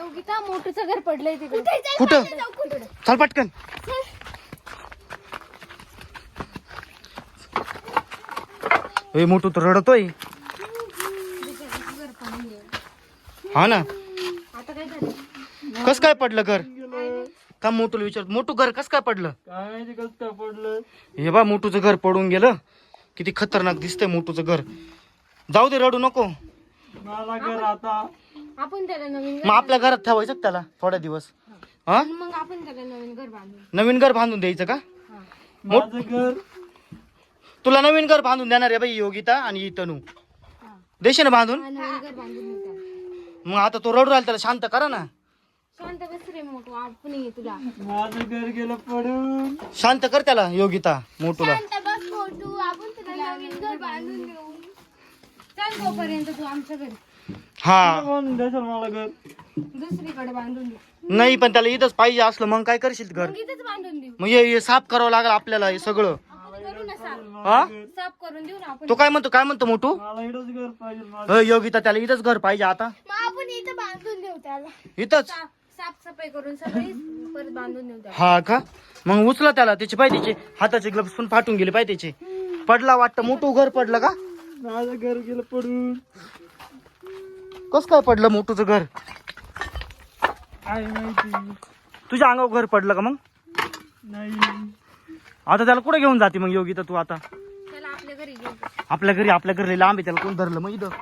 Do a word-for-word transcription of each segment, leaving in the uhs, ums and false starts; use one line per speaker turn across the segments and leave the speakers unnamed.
योगिता मोठूचं घर पडलंय तिकडे.
कुठं? चल पटकन. ए मोठू तर रडतोय. हा ना.
आता काय झालं?
कस काय पडलं घर? का मोठूला विचार. मोठू घर कस काय पडलं?
काय माहिती कस काय पडलं.
हे बा मोठूचं घर पडून गेलं. किती खतरनाक दिसतंय मोठूचं घर. जाऊ दे रडू नको.
मला घर आता
आपण त्याला नवीन
मग आपल्या घरात ठेवायचं का त्याला थोड्या दिवस? हा
घर मग आपण त्याला नवीन घर बांधून.
नवीन घर बांधून द्यायचं का?
माझं घर
तुला नवीन घर बांधून देणार आहे बाई योगिता आणि तनू. देशील ना बांधून?
हा, नवीन घर बांधून देऊ त्याला.
मग आता तो रडू राहिला त्याला शांत करा ना.
शांत बस रे मोठू. आपण ये तुला.
माझं घर गेलं पडून.
शांत कर त्याला योगिता मोठूला.
शांत बस मोठू. आपण तुला नवीन घर बांधून देऊ. चल तोपर्यंत तू आमच्या घरी.
हा
बांधून द्यायचं मला घर.
दुसरीकडे बांधून देऊ.
नाही पण त्याला इथंच पाहिजे असलं मग काय करशील घर?
मग इथेच बांधून देऊ.
मग हे हे साफ करावं लागेल आपल्याला हे सगळं.
करू ना साफ.
हा
साफ करून देऊ ना आपण.
तो काय म्हणतो काय म्हणतो मोठू?
मला इथंच घर पाहिजे माझं.
अ, योगिता त्याला इथंच घर पाहिजे आता.
मग आपण इथं बांधून देऊ त्याला.
इथंच.
साफ साफसफाई करून सगळी परत बांधून देऊ त्याला.
हा का? मग उचला त्याला. त्याचे पाय त्याचे हाताचे ग्लव्स पण फाटून गेले पाय त्याचे. पडला वाटतं मोठू घर पडलं का?
माझं घर गेलं पडून.
कस काय पडलं मोठूचं घर?
काय माहिती.
तुझ्या अंगावर घर पडलं का? मग
नाही
आता त्याला कुठे घेऊन जाते मग योगिता तू आता?
त्याला आपल्या घरी घेऊ.
आपल्या घरी. आपल्या घरी लांब आहे. त्याला कोण धरलं मग इथं?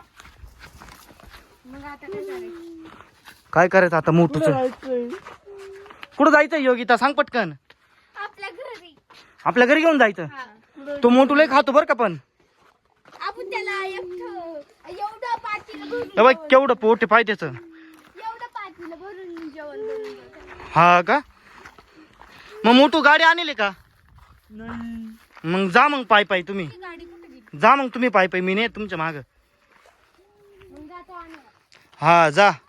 मग आता काय करायचं?
काय करायचं आता मोठूचं?
जायचंय.
कुठं जायचं योगिता सांग पटकन.
आपल्या घरी.
आपल्या घरी घेऊन जायचं.
हा.
तो मोठू लय खातो बरं का पण.
आपण त्याला एकटं एवढं पातीला भरून
ए बाई केवढं पोट आहे पाय त्याचं.
एवढं पातीला भरून जेवण बनवून देऊ त्याला.
हा का? मग मोठू गाडी आणले का?
नाही
मग जा मग पाय पाय तुम्ही.
ती गाडी कुठे गेली?
जा मग तुम्ही पाय पाय. मी नाही तुमच्या माग.
मग जातो आणायला.
हा जा.